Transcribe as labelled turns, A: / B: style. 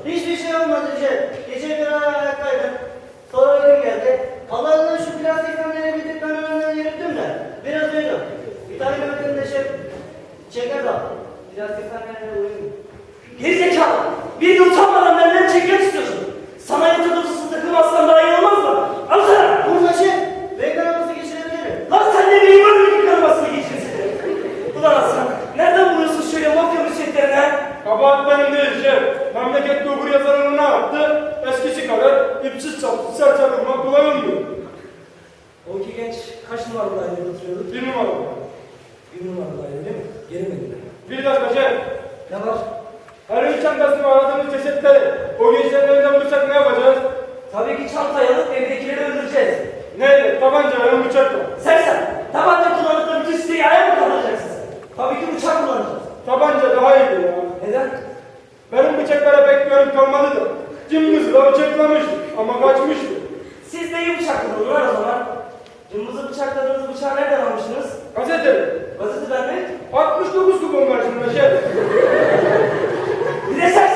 A: Hiçbir şey olmadı Recep. Gece bir ara ayaktaydım. Sonra uykum geldi. Allah'ından şu plastik kamyonu bitirip ben önünden yürüttüm de. Biraz uyudum. Bir tane gördüm de çeker dal. Plastik kamyonuna uyudum.
B: Gerizekalı! Bir gün utanmadan benden çekim istiyorsun. Sana yatak odasını takılmazsan daha iyi olmaz mı? Al sana!
A: Burada renk araması geçirebilirim.
B: Lan sen de benim ömrümün karamasını geçirsin. Ulan Hasan, nereden buluyorsun şöyle mafya müsvedlerini ha?
C: Kabahat benim değil şef. Memlekette okur yazarını ne yaptı? Eskisi kadar ipsiz çapsız serçe vurmak kullanılmıyor.
B: O iki genç kaç numaralı dairede oturuyordu?
C: 1 numara.
B: Bir numaralı daire değil mi? Yerim
C: Bir dakika şef.
B: Ne var?
C: Her çantasını aradığımız cesetleri o gençlerin elinden bulursak ne yapacağız?
B: Tabii ki çantayı alıp evdekileri öldüreceğiz.
C: Neyle? Tabancayla, bıçakla.
B: Sen tabanca kullanıp da bütün siteyi ayağa mı kaldıracaksın sen? Tabii ki bıçak kullanacağız.
C: Tabanca daha iyi ya.
B: Neden?
C: Benim bıçaklara pek görüntü olmadı da. Cımbızla bıçaklamıştı ama kaçmıştı.
B: Siz de iyi bıçak kullanın lan o zaman. Cımbızı bıçakladığınız bıçağı nereden almıştınız?
C: Gazete.
B: Gazeteden mi?
C: 69 kupon var şimdi şef.
B: Bir de sen